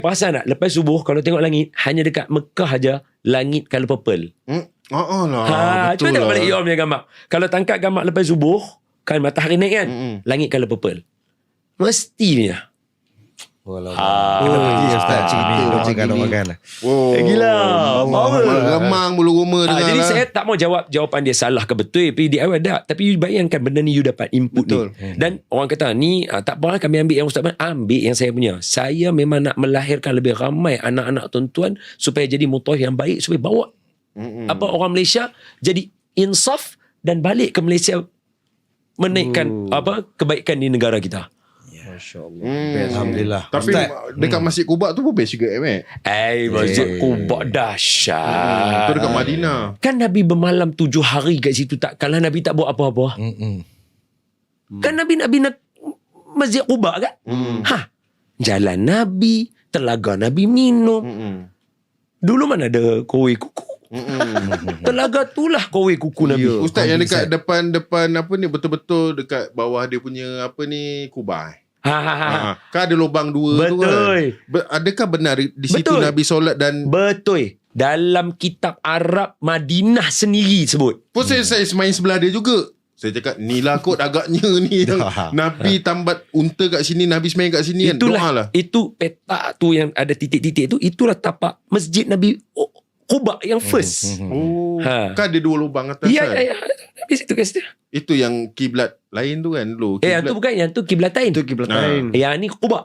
Perasan tak? Lepas subuh kalau tengok langit, hanya dekat Mekah aja langit colour purple. Lah, Cuba tengok balik Iom punya gambar. Kalau tangkap gambar lepas subuh, kan matahari naik kan, langit colour purple. Mestinya. Kena pergi Ustaz cerita kalau makan. Gila. Power. Remang bulu roma dengar Jadi lah. saya tak mau jawab jawapan dia salah ke betul. Tapi di awal tak. Tapi you bayangkan benda ni you dapat input Betul. ni. Dan orang kata ni tak apa kami ambil yang Ustaz Ben. Ambil yang saya punya. Saya memang nak melahirkan lebih ramai anak-anak tuan-tuan supaya jadi mutawif yang baik. Supaya bawa orang Malaysia jadi insaf dan balik ke Malaysia menaikkan kebaikan di negara kita. Alhamdulillah. Tapi Ustaz, dekat Masjid Quba tu pun best juga Mek. Masjid Quba dahsyat. Tu dekat Madinah. Kan Nabi bermalam 7 hari kat situ tak. Kalau Nabi tak buat apa-apa. Kan Nabi nak bina Masjid Quba kan? Jalan Nabi, telaga Nabi minum. Dulu mana ada kowe kuku? Telaga tu lah kowe kuku Nabi. Ustaz yang dekat depan apa ni, betul-betul dekat bawah dia punya apa ni, kubah. Kan ada lubang dua tu kan. Adakah benar di situ Betul. Nabi solat dan Betul. Dalam kitab Arab Madinah sendiri sebut. pun saya main sebelah dia juga. Saya cakap ni lah kot agaknya ni yang Nabi tambat unta kat sini, Nabi semain kat sini kan. Doa lah. Itu petak tu yang ada titik-titik tu, itulah tapak Masjid Nabi Quba yang first. Kan ada dua lubang atas Ya, kan. ya, ya. Di situ kat situ. Itu yang kiblat lain tu kan dulu. Yang tu bukan, yang tu kiblatain. itu kiblat lain. Yang ni Quba.